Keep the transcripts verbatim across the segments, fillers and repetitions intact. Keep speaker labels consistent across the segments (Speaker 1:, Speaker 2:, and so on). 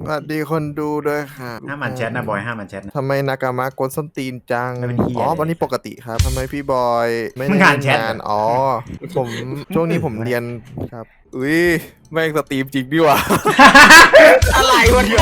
Speaker 1: สวัสดีคนดูด้วยค่ะ
Speaker 2: ห้ามอ่านแชทนะบอยห้ามอ่านแชทนะ
Speaker 1: ทำไมนากามะกดส้นตีนจัง
Speaker 2: ไม่เป็นเหี้ย
Speaker 1: อ๋อ
Speaker 2: เลย
Speaker 1: วันนี้ปกติครับทำไมพี่บอยไม่
Speaker 2: มึ
Speaker 1: ได้
Speaker 2: งอ่าน
Speaker 1: เล่น
Speaker 2: แชท
Speaker 1: งาน
Speaker 2: เหรอ
Speaker 1: อ๋อ ผมช่วงนี้ผมเรียนครับอุ้ยแม่งสตรีมจริงดิว่ะ
Speaker 3: อะไรวะเนี่ย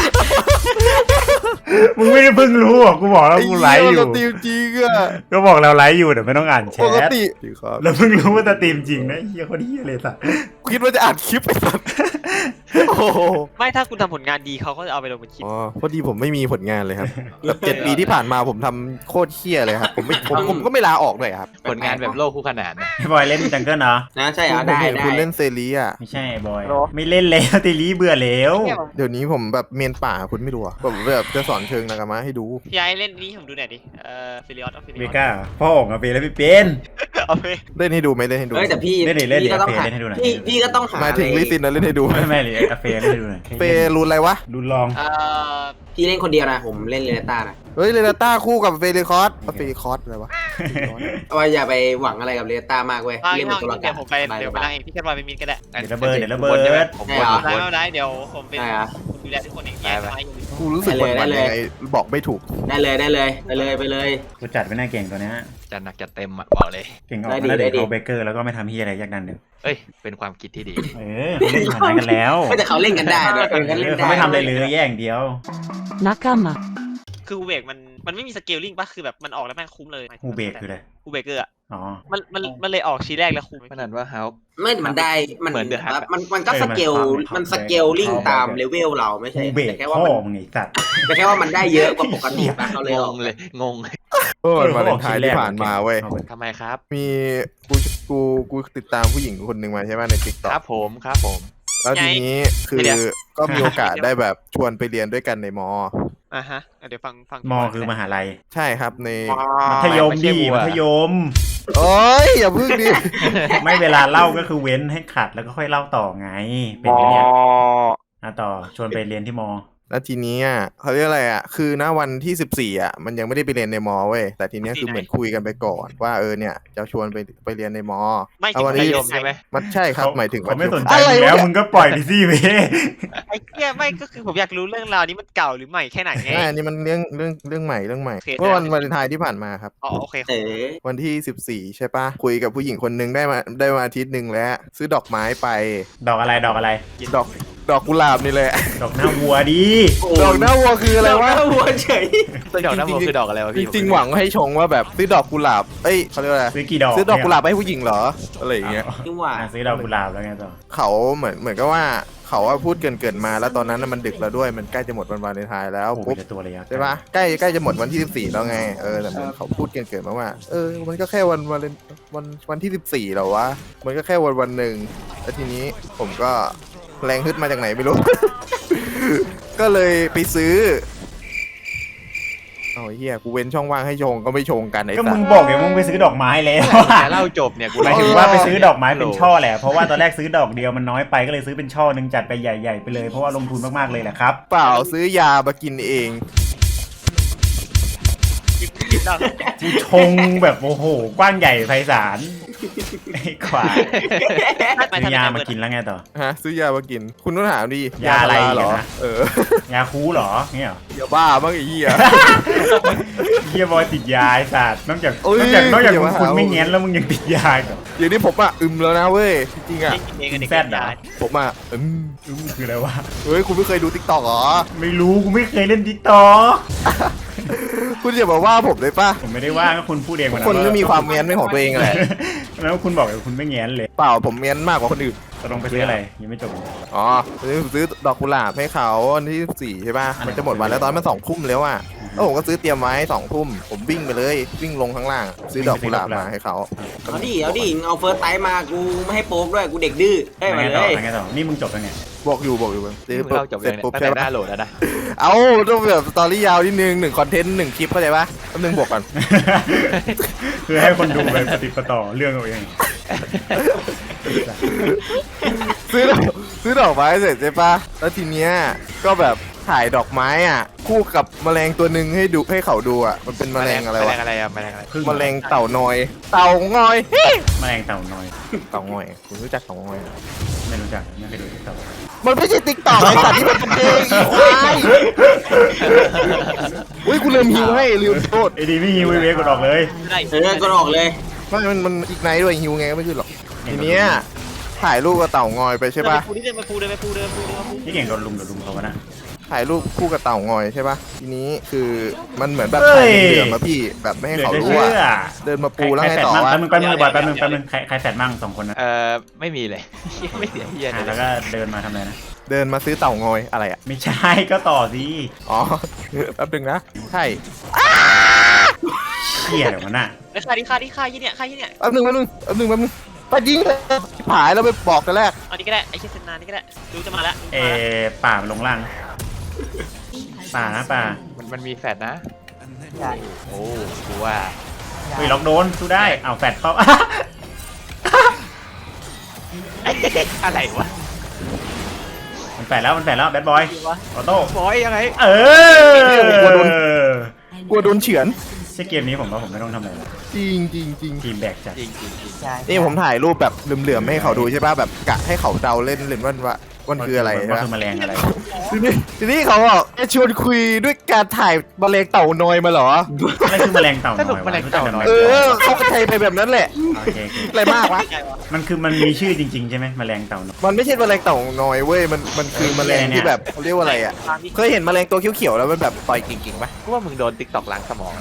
Speaker 2: มึงไม่ได้เพิ่งรู้หรอกูบอกแล้ว
Speaker 1: ไอ้
Speaker 2: กู
Speaker 1: เหี้
Speaker 2: ไล
Speaker 1: ย
Speaker 2: ฟ์
Speaker 1: มัน
Speaker 2: อ
Speaker 1: ส
Speaker 2: ยู่
Speaker 1: ตรีมจริงอะ
Speaker 2: ก็บอกเราไลฟ์อยู่เดี๋ยวไม่ต้องอ่านแช
Speaker 1: ปก
Speaker 2: ท
Speaker 1: ติครับ
Speaker 2: แล้วเพิ่งรู้ว่าสตรีมจริงนะเฮียคนเฮียเลยสัส
Speaker 1: คิดว่าจะอ่านคลิปไปสัตว์โอ้โห
Speaker 4: ไม่ถ้าคุณทำผลงานดีเขาก็จะเอาไปลงเป็นคลิป
Speaker 1: อ๋อพอดีผมไม่มีผลงานเลยครับแบบเจ็ดปีที่ผ่านมาผมทำโคตรเฮี้ยเลยครับผมไม่ผมผมก็ไม่ลาออกเลยครับ
Speaker 3: ผลงานแบบโลกคู่ขนานนะ
Speaker 2: ไอ้บอยเล่นจังเกิลเนาะ
Speaker 3: นะใช่เหรอ
Speaker 1: ผม
Speaker 3: ได้
Speaker 1: เห็น
Speaker 3: ได้
Speaker 1: คุณเล่นเซรีอ่ะ
Speaker 2: ไม่ใช่บอยไม่เล่นแล้วตีลีเบื่อแล้ว
Speaker 1: เดี๋ยวนี้ผมแบบเมียนป่าคุณไม่รู้อะผมแบบจะสอนเชิงนากามะให้ดู
Speaker 4: พี่ไอ้เล่นนี้ผมดูหน่อยดิ เอ่อฟิลิออสเอาฟิลิ
Speaker 2: เบ
Speaker 4: ออส
Speaker 2: ก้าพ่อออกมาเป็นแล้วพี่เป็น
Speaker 4: เอาไป
Speaker 1: เล่นให้ดูไหมเล่นให้ดู
Speaker 3: เอ้ยแต่พี่
Speaker 2: เล่นดิเล่นดิ
Speaker 3: พี่ก็ต้องหา
Speaker 2: เล่นให้ดูหน่อย
Speaker 3: พี่พี่ก็ต้องหา
Speaker 1: หมายถึง
Speaker 3: อะไร
Speaker 1: ลิซินนะเล่นให้ดูไหม
Speaker 2: ไม่ไม่เลยกาแฟเล่นให้ดูหน่อย
Speaker 1: เฟรูนอะไรวะ
Speaker 2: ดูลอง
Speaker 4: เอ่อ
Speaker 3: พี่เล่นคนเดียวนะผมเล่นเรเนต้านะ
Speaker 1: เฮ้ยเรนาต้าคู่กับเฟริคอสเฟริคอสอะไรวะ
Speaker 3: เอาไว้อย่าไปหวังอะไรกับเรเนต้ามากเว้ย
Speaker 4: เอา
Speaker 3: เล่น
Speaker 4: เอา
Speaker 3: เป็นตัวละค
Speaker 4: เดี๋ยว
Speaker 3: ร
Speaker 4: ผมไปเดี๋ยวไปนั่งเองพี่แคทบอยเป็นมินก็ได้
Speaker 2: เดี๋ยวระเบิดเดี๋ยวระเบิด
Speaker 5: ผม
Speaker 3: ใช่
Speaker 5: บน
Speaker 3: เหรอ
Speaker 5: ผมบน
Speaker 4: ได้ไม่ได้เดี๋ยวผมเป็น
Speaker 3: ได้เหรอ
Speaker 4: คนดูแลทุกคนเองแยกไม้อยู่
Speaker 1: กูรู้สึกหวั่นๆยังไงบอกไม่ถูก
Speaker 3: ได้เลยได้เลยไปเลยไปเลย
Speaker 2: กูจัดไม่น่าเก่งตัวเนี้ย
Speaker 5: จะหนักจะเต็มอ่ะบอกเลย
Speaker 2: เก่งออก
Speaker 3: ได้ดิ
Speaker 2: แล้วเด็ก
Speaker 3: ได้ดิ
Speaker 2: เอาเบเกอร์แล้วก็ไม่ทำเฮียอะไรยากดันเดี๋ยว
Speaker 5: เอ้ย เป็นความคิดที่ดี
Speaker 2: เออเขาเล่นฐานะกันแล้ว
Speaker 3: ก็แต่เขาเล่นกันได้ด้วยเออเขาเล่น
Speaker 2: เขา
Speaker 3: ได้
Speaker 2: ไม่ทำอะไรเลยแย่อย่างเดียว
Speaker 6: 仲間
Speaker 4: คือฮูเบกมันมันไม่มีสเกลลิ่งป่ะคือแบบมันออกแล้วแม่งคุ้มเลย
Speaker 2: ฮูเบกคืออะไร
Speaker 4: ฮูเบเกอร์อ่ะ
Speaker 2: อ๋อ
Speaker 4: มันมันมันเลยออกชีแรกแล้วคุ้ม
Speaker 5: มันนั่นว่าเฮา
Speaker 3: ไม่มันได้มัน
Speaker 5: เหมือน The Hut อะ
Speaker 3: มันมันก็สเกลมันสเกลลิงตามเลเวลเราไม่ใช่
Speaker 2: ฮูเบก
Speaker 3: แต่แค่ว่า
Speaker 2: พ่อ
Speaker 3: มัน
Speaker 2: มึงไอ้สัตว์
Speaker 3: แต่แค่ว่ามันได้เยอะกว่าปกติป่ะเขาเลย
Speaker 5: ง
Speaker 3: ออก
Speaker 5: งเลย งงเลย
Speaker 1: เออวันวาเลนไทน์ที่ผ่านมาเว้ย
Speaker 5: ทำไมครับ
Speaker 1: มีกูกูกูติดตามผู้หญิงคนหนึ่งมาใช่ไหมในติ๊กต็อ
Speaker 5: ครั
Speaker 1: ก
Speaker 5: บผมครับผม
Speaker 1: แล้วทีนี้คือก็มีโอกาสได้แบบชวนไปเรียนด้วยกันในมอ
Speaker 4: อ่ะฮะเดี๋ยวฟังฟัง
Speaker 2: มอคือมหาลัย
Speaker 1: ใช่ครับใน
Speaker 2: มัธยม
Speaker 5: ไม่ใช่
Speaker 2: ดี
Speaker 5: วัว
Speaker 2: มัธยม
Speaker 1: โอ้ยอย่าพึ่งดิ
Speaker 2: ไม่เวลาเล่าก็คือเว้นให้ขัดแล้วก็ค่อยเล่าต่อไง เป็นอย่างเนี้ยอ่ะต่อชวนไปเรียนที่มอ
Speaker 1: แล้วทีนี้อ่ะเขาเรียกอะไรอ่ะคือณวันที่สิบสี่อ่ะมันยังไม่ได้ไปเรียนในมอเว้ยแต่ทีเนี้ยคือเหมือนคุยกันไปก่อนว่าเออเนี่ยจะชวนไปไปเรียนในมอ
Speaker 4: ไม่
Speaker 1: เอา
Speaker 4: ถึง
Speaker 1: วัน
Speaker 5: มัธ
Speaker 1: นี้
Speaker 5: ยมใช่ไหม
Speaker 1: มันใช่ครับ
Speaker 2: เขา
Speaker 1: หมายถึง
Speaker 2: เขาไม่สนใจ
Speaker 1: อะไร
Speaker 2: มึงแล้ว
Speaker 1: วะ
Speaker 2: มึงก็ปล่อยไปสิเว้ย
Speaker 4: ไอ้เหี้ยไม่ก็คือผมอยากรู้เรื่องราวนี้มันเก่าหรือใหม่แค่ไหนไง
Speaker 1: ใช่อันนี้มันเรื่องเรื่องเรื่องใหม่เรื่องใหม่
Speaker 4: โอเค
Speaker 1: เมื่อวันวาเลนไทน์ที่ผ่านมาครับ
Speaker 4: อ๋อโอเค
Speaker 3: เออ
Speaker 1: วันที่สิบสี่ใช่ปะคุยกับผู้หญิงคนหนึงได้มาได้มาอาทิตย์หนึ่งแล้ว ซื้อดอกไม้ไป
Speaker 2: ดอกอะไรดอกอะไร
Speaker 1: ดอกดอกกุหลาบนี่แหละ
Speaker 2: ดอกหน้าวัวดี
Speaker 1: ดอกหน้าวัวคืออะไรวะ
Speaker 3: ดกหน้าวัวเฉย
Speaker 5: ดอกน้ำมันคือดอกอะไรวะ
Speaker 1: จ
Speaker 5: พี่
Speaker 1: ริงๆหวังให้ชงว่าแบบซื้อดอกกุหลาบเอ้ยเขาเรียกว่าอะไร
Speaker 2: ซื้อกี่ดอก
Speaker 1: ซื้อดอกกุหลาบให้ผู้หญิงเหรออะไรอย่างเงี้ย
Speaker 3: นี่หว่า
Speaker 2: อ่ะซื้อดอกกุหลาบแล้วไงต่อ
Speaker 1: เขาเหมือนเหมือนกับว่าเขาว่าพูดเกินเกินๆมาแล้วตอนนั้นน่ะมันดึกแล้วด้วยมันใกล้จะหมดวันวาเลนไทน์แล้ว
Speaker 2: โอ้โห
Speaker 1: ปุ๊บ
Speaker 2: เป็นตัวระยะ
Speaker 1: ใช่ปะใกล้ใกล้จะหมดวันที่สิบสี่แล้วไงเออแต่เหมือนเขาพูดเกินเกินๆมาว่าเออมันก็แค่วันวาเลนวันวันที่สิบสี่เหรอวะมันก็แค่วันวันหนึ่งแล้วทีนี้ผมก็แรงฮึดมาจากไหนไม่รู้ ก็เลยไปซื้อเอาไอ้เฮียกูเว้นช่องว่างให้ชงก็ไม่ชงกันไอ้
Speaker 2: ก็
Speaker 1: สั
Speaker 2: มึ
Speaker 1: ส
Speaker 2: งบอกไงมึงไปซื้อดอกไม้แล้ว
Speaker 5: จะเล่าจบเนี่ยกู
Speaker 2: หมายถึงว่าไปซื้อดอกไม้เป็นช่อแหละเพราะว่าตอนแรกซื้อดอกเดียวมันน้อยไปก็เลยซื้อเป็นช่อหนึ่งจัดไปใหญ่ๆไปเลยเพราะว่าลงทุนมากๆเลยแหละครับ
Speaker 1: เปล่าซื้อยามากินเอง
Speaker 2: กูชงแบบโอ้โหกว้างใหญ่ไพศาลไอ้ขวายซื้อยามากินแล้วไงต่อ
Speaker 1: ฮะซื้อยามากิน คุณต้องถามดิ
Speaker 2: ยาอะไร
Speaker 1: พเหรอ
Speaker 2: เนี่ยนะ
Speaker 1: เออย
Speaker 2: าคูเหรอเนี่ยเหรอ
Speaker 1: อย่าบ้าบ้างไอ้เหี้ย
Speaker 2: เฮียบอยติดยาไอ้สัตว์นอกจาก
Speaker 1: โอ้ย
Speaker 2: นอกจากนอกจาก
Speaker 1: อย่า
Speaker 2: มึ
Speaker 1: มาง
Speaker 2: คุณ
Speaker 1: หา
Speaker 2: ไม่เงี้ยนแล้วมึงยังติดยาอีกเหรอ
Speaker 1: อย่างนี้ผมอ่ะอึมแล้วนะเว้ยจริงๆอ่ะ
Speaker 4: เองกับเด็ก
Speaker 2: แซดเหรอ
Speaker 1: ผมอ่ะอึม
Speaker 2: รู้มึงคืออะไรวะ
Speaker 1: เฮ้ยคุณไม่เคยดูติ๊กต็อกเหรอ
Speaker 2: ไม่รู้กูไม่เคยเล่นดิกตอ
Speaker 1: คุณอย่ามาว่าผมเลยป่ะ
Speaker 2: ผมไม่ได้ว่าก็คุณพูดเองวันนั้น
Speaker 1: คนไม่มีความเมียนเป็นของตัวเองแหละ
Speaker 2: แล้วคุณบอกว่าคุณไม่เงี้ยนเลย
Speaker 1: เปล่าผมเมียนมากกว่าคนอื่น
Speaker 2: ตกลงไปซื้ออะไรยังไม่จบเลย
Speaker 1: อ๋อซื้อซื้อดอกกุหลาบให้เขาวันที่สี่ใช่ป่ะมันจะหมดวันแล้วตอนมันสองทุ่มแล้วอ่ะแล้วผมก็ซื้อเตรียมไว้สองทุ่มผมวิ่งไปเลยวิ่งลงข้างล่าง ซื้อดอกกุหลาบมาให้เขา
Speaker 3: เอาดิเอาดิเอาเฟิร์สไทม์มากูไม่ให้โป๊กด้วยกูเด็กดื้อได้
Speaker 2: แล้ว
Speaker 3: มา
Speaker 2: ไง
Speaker 3: เล
Speaker 2: ต่อย แล้วไงต่อนี่มึงจบแล้วไง
Speaker 1: บอกอยู่บอกอยู่ซื้อ
Speaker 5: มึง
Speaker 1: ปุ๊บ
Speaker 5: เล่าจบ
Speaker 1: เสร็
Speaker 5: ยั
Speaker 1: จ
Speaker 5: งเนี่ย
Speaker 1: ปุ๊บ
Speaker 5: ตั้ง
Speaker 1: ใช่
Speaker 5: แต่ห
Speaker 1: ปะ
Speaker 5: น้าโหลดแล้วนะ
Speaker 1: เอาต้องแบบสตอรี่ยาวนิดนึงหนึ่งคอนเทนต์หนึ่งคลิปเข้าใจปะแป๊บนึงบวกก่อน
Speaker 2: คือให้คนดูไปปฏิปต่อเรื่องเอาเอง
Speaker 1: ซื้อดอกซื้อดอกไม้เสร็จใช่ปะแล้วทีเนี้ยก็แบบถ่ายดอกไม้อ่ะ คู่กับแมลงตัวหนึ่งให้ดูให้เขาดูอ่ะ มันเป็นแมลงอะไร
Speaker 5: แมล
Speaker 1: วะ
Speaker 5: งอะไรอะแมลงอะไร
Speaker 2: พึ่ง
Speaker 1: แมลงเต่านอย เต่างอย
Speaker 2: แมลงเต่าน้อย
Speaker 1: เต่างอยคุณรู้จักเต่างอยไหม
Speaker 2: ไม่รู้จักไม่เคยดูเต่า
Speaker 1: มันไม่ใช่ติ๊กต็อกไอ้สัตว์ที่มันเป็นเพลงอีควายอุ้ยกูลืมฮิวให้ลืมโทษ
Speaker 2: ไอ้ดีไม่ฮิวเวกดออกเลย
Speaker 4: ได้
Speaker 3: เออก็ออกเลย
Speaker 1: ไม่มันมันอีกไนท์ด้วยฮิวไงก็ไม่ขึ้นหรอกทีเนี้ยถ่ายรูปกับเต่างอยไปใช่ปะ
Speaker 4: ปูนี่เดินไปปูเดินไปปูเดินไปปูเดินไปปู
Speaker 2: นี่เก่งโดนลุมโดนลุมเขาวะนะ
Speaker 1: ถ่ายรูปคู่กับเต่างอยใช่ปะทีนี้คือมันเหมือนแบบ
Speaker 2: เฮ้
Speaker 1: ถ่าย ยเหลือมาพี่แบบไม่ให้
Speaker 2: เหลือ
Speaker 1: เขา
Speaker 2: จะ
Speaker 1: รู้
Speaker 2: เชื่
Speaker 1: ว่า
Speaker 2: อ
Speaker 1: เดินมาปูแล้ว
Speaker 2: ใคร
Speaker 1: ไง
Speaker 2: แฟด
Speaker 1: ต่อ
Speaker 2: มั่ง
Speaker 1: วะ
Speaker 2: แป๊บนึงแป๊บนึงบอยแป๊บนึงแป๊บนึงใครใครแฟดมั่งสองคนนะ
Speaker 5: เอ่อไม่มีเลย ไม่เสียเฮีย
Speaker 2: อ่ะ
Speaker 5: เล
Speaker 2: แล้ว
Speaker 5: ย
Speaker 2: ก็เดินมาทำอะไรนะ
Speaker 1: เดินมาซื้อเต่างอยอะไรอ่ะ
Speaker 2: ไม่ใช่ก็ต่อสิ
Speaker 1: อ๋อ แป๊บนึงนะใช่
Speaker 2: เชี่ยเดี๋ยวมันน่ะ
Speaker 4: ไอ้ค่าดิค่าดิค่ายี่เนี่ยค่ายี่เนี่ย
Speaker 1: แป๊บนึงแป๊บนึงแป๊บนึงแป๊บนึงไปยิงเลยผายแล้วไปบอกกันแรก
Speaker 4: เอานี่ก็ได้ไอ้เชี่ยเซนนานี่ก็ได้ดูจะมาแล้ว
Speaker 2: เออป่ามันลงล่าง ป่านะป่า
Speaker 5: มันมันมีแฟดนะโอ้กูว่า
Speaker 2: เฮ้ยล็อกโดนสู้ได้เอาวแฟดเข้า
Speaker 5: อะไรวะ
Speaker 2: มันแฟดแล้วมันแฟดแล้วแบดบอยออโต้
Speaker 5: บอยยังไง
Speaker 2: เออ
Speaker 1: กลัวโดน กลัวโดนเฉือน
Speaker 2: ใช่เกมนี้ผมว่าผมไม่ต้องทำอะไรแล้ว
Speaker 1: จริงจริงจริง
Speaker 2: ทีมแบกจัด
Speaker 5: จริงจริงจริง
Speaker 1: นี่ผมถ่ายรูปแบบเหลื่อมๆให้เขาดูใช่ป่ะแบบกะให้เขาเดาเล่นเล่นว่าว่ามันคืออะไร
Speaker 2: มัน
Speaker 1: ใช่
Speaker 2: คือ
Speaker 1: ปะ
Speaker 2: แมลงอะไร
Speaker 1: ทีนี้ทีนี้เขาบอกจะชวนคุยด้วยการถ่ายแมลงเต่านอยมาเหรอ
Speaker 2: อะไรคือแมลงเต่า
Speaker 5: ส
Speaker 2: น้
Speaker 5: รุ
Speaker 2: อ
Speaker 5: ป
Speaker 2: ย
Speaker 5: แมลงเต่าน้อย
Speaker 1: เออเขาก็ไทยไปแบบนั้นแหละ
Speaker 2: โอเคโอเค
Speaker 1: อะไรมากวะ
Speaker 2: มันคือมันมีชื่อจริงๆใช่ไหมแมลงเต่าน้อย
Speaker 1: มันไม่ใช่แมลงเต่านอยเว้ยมันมันคือแมลงที่แบบเขาเรียกว่าอะไรอ่ะเคยเห็นแมลงตัวเขียวๆแล้วมันแบบต่อยกิ่งๆปะ
Speaker 5: กูว่ามึงโดนติ๊กตอกล้างสมอง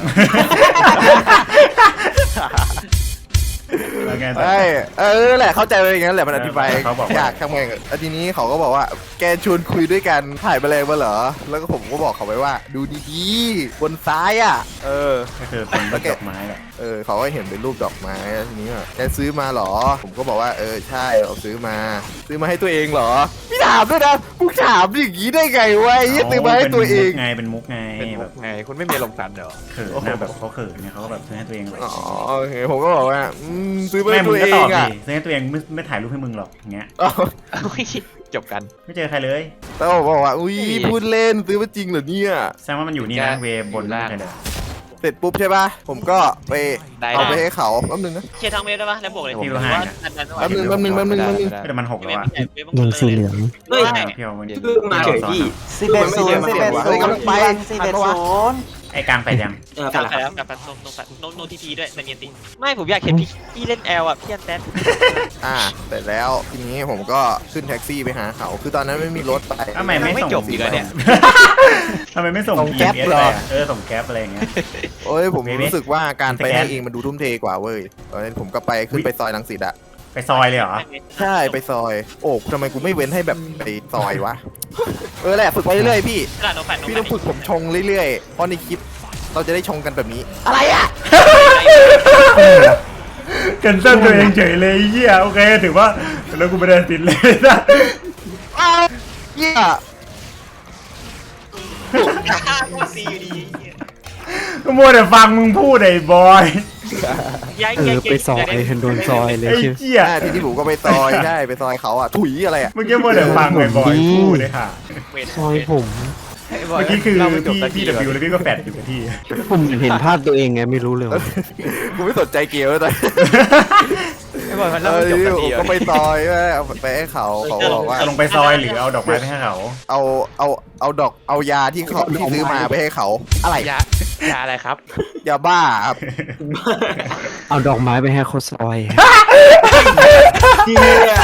Speaker 2: แล้วไงต่อ
Speaker 1: ใช่เออแหละเข้าใจไปอย่างนั้นแหละมันอธิบาย
Speaker 2: เขาบอกว่า
Speaker 1: ยากทำไงแล้วทีนี้เขาก็บอกว่าแกชวนคุยด้วยกันถ่ายแมลงมาเหรอแล้วก็ผมก็บอกเขาไปว่า ดูดีๆบนซ้ายอ่ะ เออ
Speaker 2: ก็คือเป็นดอกไม้แหละ
Speaker 1: เออเขาก็เห็นเป็นรูปดอกไม้แล้วทีนี้แบบแกซื้อมาเหรอ ผมก็บอกว่าเออใช่เราซื้อมา ซื้อมาให้ตัวเองเหรอพี่ถามด้วยนะมึงถามอย่างนี้ได้ไงวะไอ้เหี้ยซื้อมาให้ตัวเอง
Speaker 2: ไงเป็นมุกไง
Speaker 5: เป็น
Speaker 2: แบ
Speaker 5: แบบ บไงคุณไม่มีลงสันเหรอ
Speaker 2: เขินนะแบบเขาเขินเนี่ยเขาก็แบบซื้อให้ตัวเองเลย
Speaker 1: อ๋อโอเคผมก็บอกว่าอืมซื้อมา
Speaker 2: แม่
Speaker 1: ให้
Speaker 2: มึ
Speaker 1: ตั
Speaker 2: ง
Speaker 1: ว
Speaker 2: ก็
Speaker 1: เอ
Speaker 2: ตอง บดิ
Speaker 1: อ่ะ
Speaker 2: ซื้อให้ตัวเองไม่ไม่ถ่ายรูปให้มึงหรอกอย่างเงี้ย
Speaker 1: อ้าว
Speaker 5: จบกัน
Speaker 2: ไม่เจอใครเลย
Speaker 1: แล้วผมบอกว่าอุ้ยพูดเล่นซื้อมาจริงเหรอเนี่ย
Speaker 2: แสดงว่ามันอยู่นี่นะเวบนล่างเลย
Speaker 1: เสร็จปุ๊บใช่ป่ะผมก็ไป
Speaker 5: ได้
Speaker 1: เอาไปให้เขาแป๊บนึงนะ
Speaker 4: เคลียร์ทางเวฟได้ปะแล้วบวกเลย
Speaker 2: พี่
Speaker 4: ผม
Speaker 2: ว่า
Speaker 4: ว่า
Speaker 2: ห้า
Speaker 4: ดันดัน
Speaker 1: แป๊บนึงแป๊บนึงแป๊บนึงแป๊บนึง
Speaker 2: แต่มันหกแล้วอะ
Speaker 6: โดนสีเหลือง
Speaker 3: เฮ้ย
Speaker 2: พี่เอามัน
Speaker 3: เพิ่งมาเฉยพี่
Speaker 6: สิบเอ็ดศูนย์สิบเอ็ด
Speaker 1: เฮ้
Speaker 6: ศู
Speaker 1: ย
Speaker 6: น
Speaker 1: กำลัง
Speaker 6: ย์
Speaker 1: ไป
Speaker 6: สิบเอ็ดศูนย์
Speaker 2: ไอ้กลางไปยัง
Speaker 3: เออก
Speaker 4: ลับ
Speaker 3: ลับ
Speaker 4: ไปแล้วกลับไปโนโนโนโนทีพีด้วยแต่เนียนติไม่ผมอยากเห็นพี่พี่เล่นแอลอ่ะพี่อันแตน
Speaker 1: อ่าเสร็จแล้วทีนี้ผมก็ขึ้นแท็กซี่ไปหาเขา คือตอนนั้นไม่มีรถไป
Speaker 2: ทำไมไม่
Speaker 5: ไม่
Speaker 2: ส่ง
Speaker 5: จบอีกเหรอเนี่ย
Speaker 2: ทำไมไม่ส่ง
Speaker 1: ส่ง
Speaker 2: พี
Speaker 1: แก๊ป
Speaker 2: เอส
Speaker 1: เหร
Speaker 2: ไป
Speaker 1: อ
Speaker 2: อะเออส่งแก๊ปอะไรอย่างเงี้ย
Speaker 1: โอ้ยผม
Speaker 2: เมเม
Speaker 1: รู้สึกว่าการไป
Speaker 2: สแกน
Speaker 1: ให้เองมันดูทุ่มเทกว่าเว้ยตอนนั้นผมก็ไปขึ้นไปซอยลังสิตอะ
Speaker 2: ไปซอยเลยเหรอ
Speaker 1: ใช่ไปซอย โอ้ทำไมกูไม่เว้นให้แบบไปซอยวะ เออแหละฝึกไปเรื่อยๆพี่
Speaker 4: ตลาดโนแฟนโน
Speaker 1: พี่
Speaker 4: แฟ
Speaker 1: ต้องฝึกผมชงเรื่อยๆ เพราะในคลิปเราจะได้ชงกันแบบนี้ อะไรอะ
Speaker 2: กันเส้นตัวเองเฉยเลยไอ้เหี้ยโอเคถือว่าแล้วกูไม่ได้ติดเลยนะ
Speaker 1: อ้าวเหี้ย
Speaker 4: ซีอยู่ดี
Speaker 2: ก็มัวแต่ฟังมึงพูดไอ้บอย
Speaker 4: ย้าย
Speaker 6: เออไปซอยโดนซอยเลย
Speaker 2: ไอ้
Speaker 6: ใช่ไหม
Speaker 2: เหี้ย
Speaker 1: อ่าทีนี้ผมก็ไปซอยใช่ไปซอยเขาอะถุยอะไรอะ
Speaker 2: เมื่อกี้มัวแต่ฟังไอ้บอยพูดเลยค่ะ
Speaker 6: ซอยผม
Speaker 2: เมื่อกี้คือ
Speaker 5: เราไม่จบ
Speaker 2: พี่
Speaker 5: สักที
Speaker 2: พี่
Speaker 5: เล
Speaker 2: ดับบิวย แล้วพี่ก็แฟดอยู่กับที่
Speaker 6: ผมเห็นภาพตัวเองไงไม่รู้เลยว่า
Speaker 1: กูไม่สนใจเกมแล้วตอน
Speaker 5: ไอ้บอยมัน
Speaker 1: เอ
Speaker 5: เล่า
Speaker 1: อ
Speaker 5: ไม่จบ
Speaker 1: ที
Speaker 5: สั
Speaker 1: นี้
Speaker 5: ก
Speaker 1: ผ
Speaker 5: ที
Speaker 1: ม
Speaker 5: เหร
Speaker 1: ก็
Speaker 5: อ
Speaker 1: ไปซอยเอาไปให้เขาเขาก็บอกว่า
Speaker 2: จะลงไปซอยหรือเอาดอกไม้ไปให้เขา
Speaker 1: เอาเอาเอาดอกเอายาที่เขาที่ซื้อมาไปให้เขา อะไร
Speaker 5: ยายาอะไรครับ
Speaker 1: ยาบ้าครับ
Speaker 6: เอาดอกไม้ไปให้เขาซอย
Speaker 3: เฮีย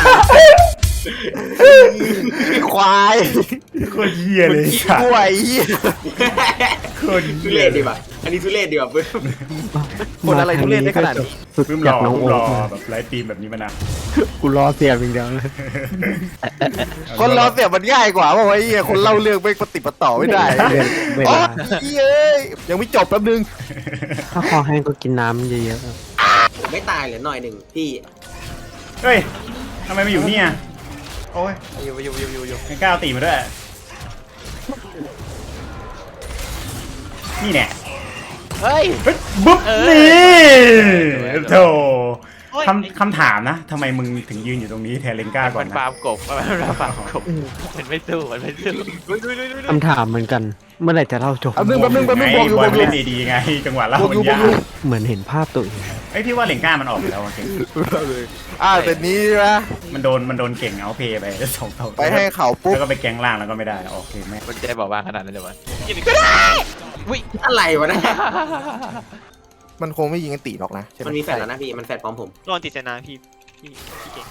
Speaker 1: ควาย
Speaker 2: โคตรเหี้ยเลย
Speaker 1: ขี้
Speaker 2: ค่ะ
Speaker 1: กล้วยเหี้ย
Speaker 2: โคตร
Speaker 3: ทุ
Speaker 2: เหี้
Speaker 3: เรศดีป่ะอันนี้ทุเรศดีป่ะเพื่อน
Speaker 1: คนอะไรทุเรศได้ขนาดนี้
Speaker 6: ฝึก
Speaker 2: เพิ่มร
Speaker 6: จาก
Speaker 2: อ
Speaker 6: น้อง
Speaker 2: เพิ่ม
Speaker 6: โอ๊
Speaker 2: รอ
Speaker 6: คมา
Speaker 2: แบบไลฟ์ตีมแบบนี้มานาน
Speaker 6: กูรอเสียบอย่างเดียวเลย
Speaker 1: คนเราเสียมันง่ายกว่าเพราะว่าไอ้เหี้ยคนเล่าเรื่องไม่ปฏิปต่อไม่ได้
Speaker 6: เวลเว
Speaker 1: อ๋อ
Speaker 6: ลา
Speaker 1: เอ้ยยังไม่จบแป๊บนึง
Speaker 6: ถ้าคอแห้งก็กินน้ำเยอะ
Speaker 3: ผมไม่ตายเหลือหน่อยหนึ่งพี่
Speaker 2: เฮ้ยทำไมมาอยู่เนี่ยโอ้ย
Speaker 5: อยู่อยู่อยู่อยู่อยู่
Speaker 2: ไม่กล้าเอาตีมาด้วยนี่แน่
Speaker 5: เฮ้ย
Speaker 2: เฮ้ยบุ๊บ
Speaker 5: เออ
Speaker 2: นี่โธ่
Speaker 4: โอ้ย
Speaker 2: คำคำถามนะทำไมมึงถึงยืนอยู่ตรงนี้แทนเลนก้าก่อ
Speaker 5: มัน น
Speaker 2: นะ
Speaker 5: ฟาร์มกบมันฟาร์มกบมันไม่สู้มันไม่สู้
Speaker 6: คำถามเหมือนกัน เมื่อไหร่จะเล่าจบ
Speaker 1: แป๊บนึงแป๊บนึงแป๊บนึง
Speaker 2: ไง
Speaker 1: บอกอยู่
Speaker 2: บบ อ
Speaker 1: อย กอ
Speaker 2: มัน
Speaker 1: ยู่
Speaker 2: เล่นดีๆไงจังหวะเล่า
Speaker 1: บอก
Speaker 2: มั
Speaker 1: อยู่
Speaker 2: น
Speaker 1: บอก
Speaker 2: ยา
Speaker 1: อยู่
Speaker 2: ก
Speaker 6: เหมือนเห็นภาพตัวเอง
Speaker 2: ไอ้ยพี่ว่าเลนก้ามันออกไปแล้วจริง
Speaker 1: อ่าเสร็จนี้นะ
Speaker 2: มันโดนมันโดนเก่งเอาเพย์ไปสองเท่า
Speaker 1: ไปให้เขาปุ๊บ
Speaker 2: แล้วก็ไปแกงล่างแล้วก็ไม่ได้โอเคแม่
Speaker 5: มันใจบอกว่าขนาดนั้นเลยวะ
Speaker 3: อะไรวะเนะ
Speaker 1: มันคงไม่ยิงกันตีหรอกนะใช่ไหม
Speaker 3: มันมีแฟนแล้วนะพี่มันแฟนพร้อมผม
Speaker 4: โดนติดเซนาพี่พี่พี่เก่ง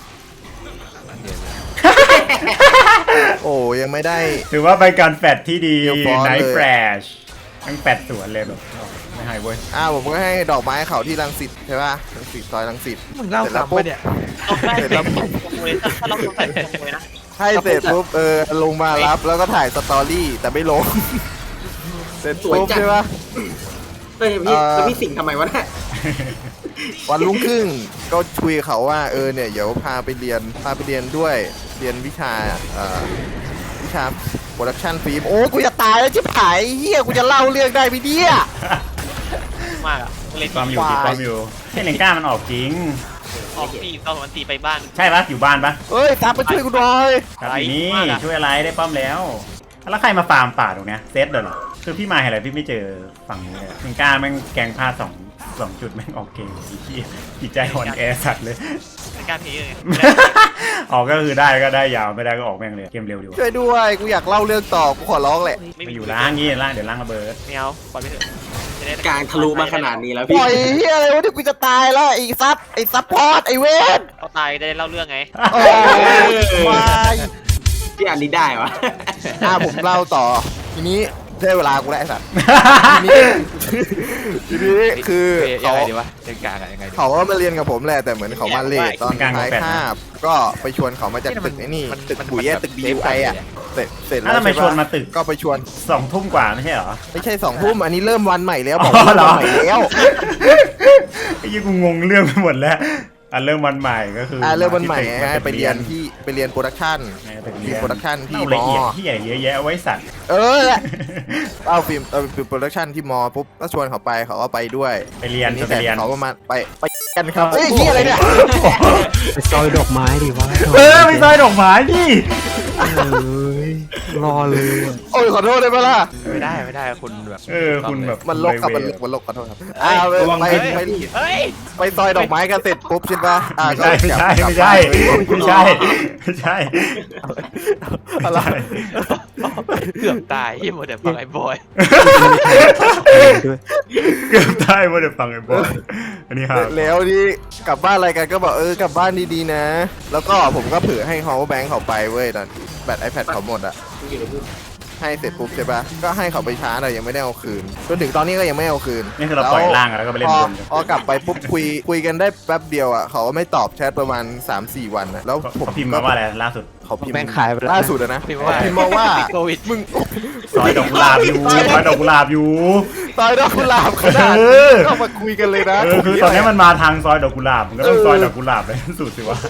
Speaker 1: โอ้ยังไม่ได้
Speaker 2: ถือว่าเป็นการแฟดที่ดี
Speaker 1: เดี๋ยวฟ้อน
Speaker 2: ไน
Speaker 1: เลย
Speaker 2: ท์แฟลชทั้งแฟดสวนเลยแบบไม่ให้เว้ย
Speaker 1: อ่าผมก็ให้ดอกไม้เขาที่รังสิตใช่ป่ะรังสิตซอยรังสิต
Speaker 5: มึงเล่า
Speaker 1: เสร็จแล้ว
Speaker 5: ซ้ำ
Speaker 1: ปุ๊
Speaker 5: ปะ
Speaker 1: บ
Speaker 5: เนี่ย
Speaker 4: ต้องได้เป็นขโมยถ้าเราต้องใส่ขโมยนะ
Speaker 1: ให้เสร็จปุ๊บเออลงมารับแล้วก็ถ่ายสตอรี่แต่ไม่ลง เสร็จปุ๊บใช่ป่ะ
Speaker 3: เฮ้ยพี่
Speaker 1: เอ่อ
Speaker 3: แล้วพี่สิงห์ทำไมวะเนะ
Speaker 1: วันรุ่งขึ้นก็คุยกับเขาว่าเออเนี่ยเดี๋ยวพาไปเรียนพาไปเรียนด้วยเรียนวิชาเอ่อวิชาโปรดักชันฟิล์มโอ้กูจะตายแล้วชิบหายเฮียกูจะเล่าเรื่องได้ไหมเนี่ย
Speaker 4: มากอ่ะเลย
Speaker 2: ความอยู่
Speaker 1: ควาย
Speaker 2: ติดความอยู่ให้เลนก้ามันออกจริง
Speaker 4: ออกตีตอนวันตีไปบ้าน
Speaker 2: ใช่ปะอยู่บ้านปะ
Speaker 1: เอ้ยตามไปช่วยกูหน่อย
Speaker 2: ครับ
Speaker 4: ไอ้
Speaker 2: นี่
Speaker 4: มากอะ
Speaker 2: ช่วยอะไรได้ป้อมแล้ว แล้วใครมาฟาร์มป่าตรงเนี้ยเซตเดินเหรอคือพี่มาเห็นอะไรพี่ไม่เจอฝั่งนี้เลยเลนก้าแม่งแกงพลาดสองสองจุดแม่งออกเกมอีกที่จิตใจอ่อนแอสัตว์เลย
Speaker 4: ไม่กล้าพีเลย
Speaker 2: ออกก็คือได้ก็ได้ยาวไม่ได้ก็ออกแม่งเลยเกมเร็วดีกว่า
Speaker 1: ช่วยด้วยกูอยากเล่าเรื่องต่อกูขอร้องแหละ
Speaker 2: ไปอยู่ล่างงี้ล่างเดี๋ยวล่างระเบิด
Speaker 4: ไม่เอาปล่อยไปเถอะจะได้
Speaker 3: กลางทะลุมาขนาดนี้แล้ว
Speaker 1: ป
Speaker 3: พี่
Speaker 1: ล่อยเฮียอะไรวะที่กูจะตายแล้วไอ้ซับไอ้ซับพอร์ตไอ้เวน
Speaker 4: เขาตายได้เล่าเรื่องไง
Speaker 1: โอ้ยวาย
Speaker 3: พี่อันนี้ได้วะ
Speaker 1: อ่าผมเล่าต่อทีนี้ได้เวลากูแล้วไอ้สัตว์ทีนี้ทีนี้คือ
Speaker 5: ยั
Speaker 1: เขา
Speaker 5: งไงดีวะเล่นกลางอะยังไงดี
Speaker 1: เขาก็มาเรียนกับผมแหละแต่เหมือนเขามาเลทตอนท้ายคาบก็ไปชวนเขามาจากตึกไอ้นี่ตึกปุ๋ยอะตึกบีไออะเสร็จเสร็จแล้
Speaker 2: แล้ว วทำไม
Speaker 1: ใช่
Speaker 2: ชวน
Speaker 1: ปะ
Speaker 2: มาตึก
Speaker 1: ก็ไปชวน
Speaker 2: สองทุ่มกว่าไม่ใช่เหรอ
Speaker 1: ไม่ใช่สองทุ่มอันนี้เริ่มวันใหม่แล้วบอก
Speaker 2: อ๋อ
Speaker 1: ว่า
Speaker 2: เหร
Speaker 1: วัน
Speaker 2: อ
Speaker 1: ใหม่แล้ว
Speaker 2: ไอ้ยี่กูงงเรื่องไปหมดแล้วอ่ะเริ่มวันใหม่ก็คือ
Speaker 1: อ่าเริ่มวันใหม่
Speaker 2: ที่ตึก
Speaker 1: ฮะไปเรียนที่ไปเรียนโปรดักชั่น
Speaker 2: ในตึก
Speaker 1: ทีมโปรดักชั่นที่
Speaker 2: เอา
Speaker 1: ม
Speaker 2: ละเอียด
Speaker 1: อ
Speaker 2: ที่ใหญ่เยอะแยะเอาไว้สัตว์
Speaker 1: เออเอาฟิล์มเอาฟิล์มโปรดักชั่นที่มอปุ๊บก็ชวนเขาไปเขาก็ไปด้วย
Speaker 2: ไปเรียน
Speaker 1: ที
Speaker 2: ไปเรียน
Speaker 1: เขาประมาณไปไปกันครับเฮ้ยเฮียอะไรเนี่ย
Speaker 6: ไปซอยดอกไม้ดิวะ
Speaker 2: เออไม่ซอยดอกไม้ดิ
Speaker 6: เอ้ยรอเลยอะ
Speaker 1: โอ้ยขอโทษได้ไหมล่ะ
Speaker 5: ไม่ได้ไม่ได้คุณแบบ
Speaker 2: เออคุณแบบ
Speaker 1: มันลกครับมันลกมันลกขอโทษครับอ่าไป
Speaker 2: ระวัง
Speaker 1: ไป
Speaker 2: เฮ้ย
Speaker 1: ไป
Speaker 4: เฮ้ย
Speaker 1: ไปซอยดอกไม้กันเสร็จปุ๊บใช่ปะอ่า
Speaker 2: ไม่ใช่ไม่ใช่
Speaker 1: ก็
Speaker 2: ไม่
Speaker 1: กลับ
Speaker 2: ใช่ไม่ใช่ไม่ใช่
Speaker 1: อะไร
Speaker 5: เกือบตายที่หมดแต่ฟังไอ้บอย
Speaker 6: ด้วย
Speaker 2: เกือบได้ว่าเดี๋ยวฟังไอ้บอยอันนี้ครับ
Speaker 1: แล้วนี่กลับบ้านอะไรกันก็บอกเออกลับบ้านดีๆนะ แล้วก็ผมก็เผื่อให้เขาแบงค์เขาไปเว้ยตอนแบต iPad เขาหมดอะให้เสร็จปุ๊บใช่ปะก็ให้เขาไปช้าแต่ยังไม่ได้เอาคืนจนถึงตอนนี้ก็ยังไม่เอาคืน
Speaker 2: นี่คือเราปล่อยล่างแล้วก็ไปเล่น
Speaker 1: พอบ
Speaker 2: น
Speaker 1: พอกลับไปปุ๊บคุยคุยกันได้แป๊บเดียวอะเขาก็ไม่ตอบแชทประมาณ สามสี่ วันอะแล้วผม
Speaker 2: เขาพิมพ์มาว่าอะไรล่าสุด
Speaker 1: เขาพิมพ์
Speaker 6: แม่งขายไปแล้ว
Speaker 1: ล่าสุดอะนะ
Speaker 5: พิมพ์ว่า
Speaker 1: พิมพ์มาว่า
Speaker 5: โควิด
Speaker 1: มึง
Speaker 2: ซอยดอกกุหลาบอยู่ซอยดอกกุหลาบอยู่
Speaker 1: ตายดอกกุหลาบขนาด
Speaker 2: เอ
Speaker 1: นี้
Speaker 2: อ
Speaker 1: เข้ามาคุยกันเลยนะ
Speaker 2: เออคือตอนนี้มันมาทางซอยดอกกุหลาบมันก็ต้องซอยดอกกุหลาบเลยสุดสิวะ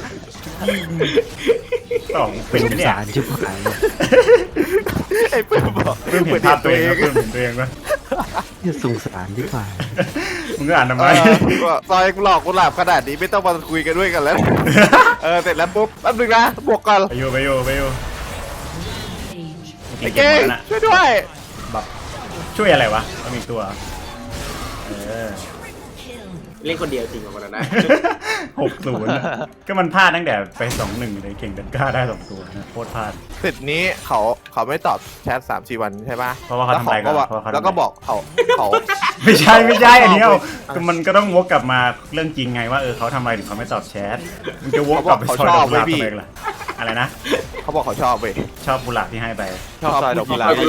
Speaker 2: สองเป็น
Speaker 6: สง
Speaker 2: เนี่ย
Speaker 6: สารชิบหายเลย
Speaker 1: ไอ้เปิ้ลบอก
Speaker 2: เพิ่มเห็นภาพตัวเองเพิ่มเห็นตัวเองไหม
Speaker 6: เนี่ยสงสารชิบหาย
Speaker 2: มึงก็อ่านทำ
Speaker 1: เอ
Speaker 2: ไม
Speaker 1: อก็ซอยกุหลาบกุหลาบขนาดนี้ไม่ต้องมาคุยกันด้วยกันแล้ว เออเสร็จแล้วปุ๊บแป๊บนึงนะบวกก่อน
Speaker 2: ไปอยู่ไปอยู่ไปอยู่
Speaker 1: ไอ้
Speaker 2: เก่
Speaker 1: เก่
Speaker 2: ง
Speaker 1: ง
Speaker 2: นะ
Speaker 1: ช่วยด้วย
Speaker 2: แบบช่วยอะไรวะต้องมีตัวเออ
Speaker 3: เล่นคนเดียวจริงกว่าคนนั้นนะ
Speaker 2: หกศูนย์ก็มันพลาดตั้งแต่ไปสองหนึ่งเลยเก่งดันกล้าได้สองตัวนะโคตรพลาด
Speaker 1: เสร็จนี้เขาเขาไม่ตอบแชทสามสี่วันใช่ปะ
Speaker 2: เพราะว่าเขาทำอะไรกัน
Speaker 1: แล้ว
Speaker 2: เพราะว่าเขาทำอะไร
Speaker 1: แล้วก็บอกเขาเขา
Speaker 2: ไม่ใช่ไม่ใช่อันนี้เอาก็มันก็ต้องวกกลับมาเรื่องจริงไงว่าเออเขาทำอะไรถึงเขาไม่ตอบแชทมึงจะวกกลับไปซอยดอกกุหลาบทำไมล่ะอะไรนะ
Speaker 1: เขาบอกเขาชอบเว้ย
Speaker 2: ชอบกุหลาบที่ให้ไป
Speaker 5: ชอบซอยดอกกุหลาบ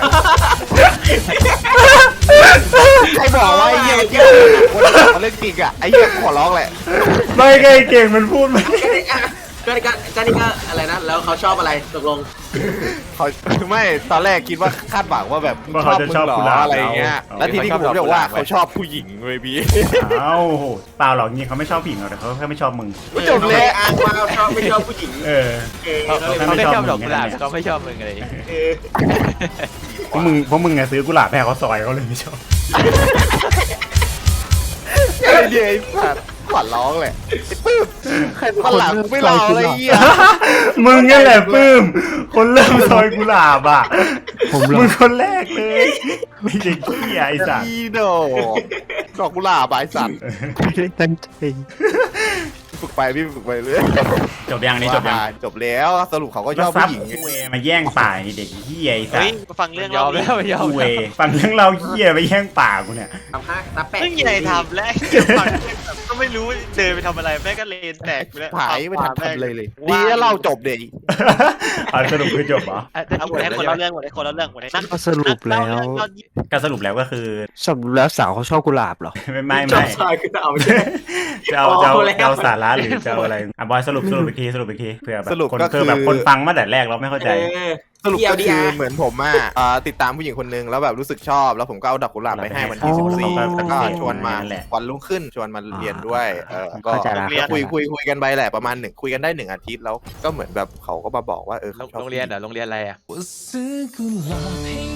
Speaker 1: ใครบอกว่าไอ้เหี้ยเกี่ยวกับเรื่องจริงอะไอ้เหี้ยขอร้องแหละ
Speaker 2: ไม่ไงเก่งมันพูดไม่
Speaker 3: ก็นี่ก็ก็นี่ก็อะไรนะแล้วเขาชอบอะไรตกลง
Speaker 1: เขาไม่ตอนแรกคิดว่าคาดหวังว่าแบบชอบมึงเหรออะไรอย่างเงี้ยแล้วทีนี้ผมบอกว่าเขาชอบผู้หญิงเว้ยพี่
Speaker 2: เอ้าโหเปล่าหรอกจริงเขาไม่ชอบผู้หญิงหรอกแต่เขาแค่ไม่ชอบมึง
Speaker 1: จบเลย
Speaker 3: อ้างว่าชอบไม่ชอบผู้หญิง
Speaker 2: เออ
Speaker 3: เออ
Speaker 5: เขา
Speaker 3: ก็เลย
Speaker 5: เขาไม่ชอบ
Speaker 2: ไม่ชอบ
Speaker 5: ดอกกุหลาบ
Speaker 2: มึงไง
Speaker 5: เขาไม่ชอบมึงอะไร
Speaker 3: เออ
Speaker 2: เพราะมึงเพราะมึงไงซื้อกุหลาบให้เขาซอยเขาเลยไม่ชอบ
Speaker 1: ไอ้เหี้ยไอ้สัตว์ขวัญร้องเลยไอ้ปื้มใครคนหลังไม่รออะไรเงี้ย
Speaker 2: มึงนี่แหละปื้ม คนเริ่มซอยกุหลาบอ่ะ
Speaker 6: ผมรอ
Speaker 2: มึงคนแรกเลยไอ้เด็กขี้ยไอ้สัส
Speaker 1: อีโดดอกกุหลาบายสัตว์
Speaker 6: ไม่ได้ตั้งใจ
Speaker 1: ฝึกไปพี่ฝึกไปเรื่อย
Speaker 2: จบยังนี่จบยัง
Speaker 1: จบแล้วสรุปเขาก็ช
Speaker 2: แล้ว
Speaker 1: อบ
Speaker 2: ซับ
Speaker 1: ผู้หญิง
Speaker 2: กูเวมาแย่งป่าไอ้เด็กขี้ยไอ้สัส
Speaker 4: เฮ้ยมาฟังเรื่อง
Speaker 5: ยอม
Speaker 4: ดิ
Speaker 5: แล้วยอม
Speaker 2: กูเว
Speaker 5: แล้ว
Speaker 2: ฟังเรื่องเราขี้ยไปแย่งป่ากูเนี่ย
Speaker 3: ทำห้าตาแปะ
Speaker 4: เพิ่งใหญ่ทำแล้วฟังแบบก็ไม่รู้เดินไปทำอะไรแม่งก็เลนแตกไปแล้ว
Speaker 1: หายไม่ทันทำเลยเลยดีแล้วเราจบเด็ก
Speaker 2: เอาสรุปคือจบเหรอ
Speaker 4: เอาหมดให้คนละเรื่องหมดให้คนละเรื่องหมดให้นัก
Speaker 6: ก็สรุปแล้ว
Speaker 2: ก็สรุปแล้วก็คือ
Speaker 6: สรุปแล้วสาวเขาชอบกุหลาบเหรอ
Speaker 2: ไม่ไม่
Speaker 3: จ
Speaker 2: ไม่
Speaker 3: บชายคือเอาไม่ใช่
Speaker 2: จะเอาจะเอา
Speaker 3: พอแล้ว
Speaker 2: จะเอาสาระหรือจะเอาอะไรอ่ะบอยสรุปสรุปอีกทีสรุปอีกทีเผื่อแบบ
Speaker 1: สรุป
Speaker 2: คน
Speaker 1: ก็
Speaker 2: คือแบบคนฟังมาแต่แรกเราไม่เข้าใจ
Speaker 3: เออ
Speaker 1: สรุปก็คือ
Speaker 3: ที แอล ดี อาร์
Speaker 1: เหมือนผมอ่ะอ่าติดตามผู้หญิงคนนึงแล้วแบบรู้สึกชอบแล้วผมก็เอาดอกกุหลาบไปให้วันที่
Speaker 6: อ๋อ
Speaker 1: สิบสี่แล้วก็ชวนมา
Speaker 2: นั่นแหละ
Speaker 1: วันรุ่งขึ้นชวนมาเรียนด้วยเออก็
Speaker 6: เข้าใจละ
Speaker 1: ก็คุยคุยคุยกันไปแหละประมาณหนึ่งคุยกันได้หนึ่งอาทิตย์แล้วก็เหมือนแบบเขาก็มาบอกว่าเออเขาชอบ
Speaker 5: โรงเรียนเหรอโรงเรียนอะไรอ่ะ
Speaker 7: 我似古老。